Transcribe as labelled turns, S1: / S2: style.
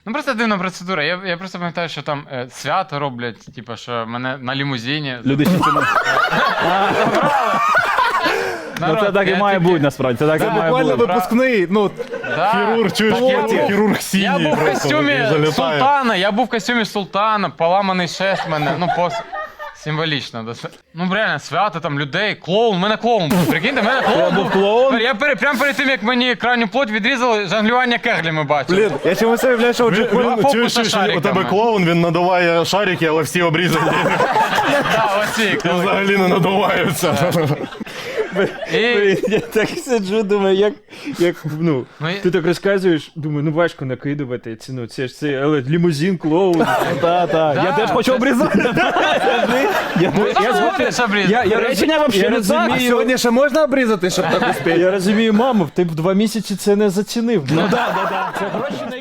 S1: Ну просто дивна процедура. Я просто пам'ятаю, що там свято роблять, типу, що мене на лімузині.
S2: Люди ще це не... Ну це так і має бути, насправді. Це так і має
S3: Буквально
S2: бути.
S3: випускний, ну,
S4: Хірург, чуєш, хірург
S1: Я
S4: синій
S1: був в
S4: просто
S1: костюмі
S4: такий залітає.
S1: султана, поламаний шест мене, ну символічно. Ну реально, свято там людей, клоун, мене клоун був. Прикиньте, мене клоун був.
S2: клоун?
S1: Я прямо перед тим, як мені крайню плоть відрізали, жонглювання кеглями бачив.
S3: блін, я чомусь уявляю, що
S4: Він,
S1: фокуса
S4: чуєш, у
S1: шариками.
S4: тебе клоун, він надуває шарики, але всі обрізані.
S1: Так, оці.
S4: Взагалі не надуваються.
S1: І
S2: Я так сиджу, думаю, як ну,
S1: Ну,
S2: ти так розказуєш, думаю, ну важко накидувати ціну, це ж це, але лімузин, клоун. Так. Я теж хочу обрізати. Я
S1: згоден, що обрізати.
S2: Я речення вообще не так.
S3: а сьогодні ще можна обрізати, щоб так успіти?
S2: Я розумію, маму, ти б 2 місяці це не зацінив. Ну так. Це гроші на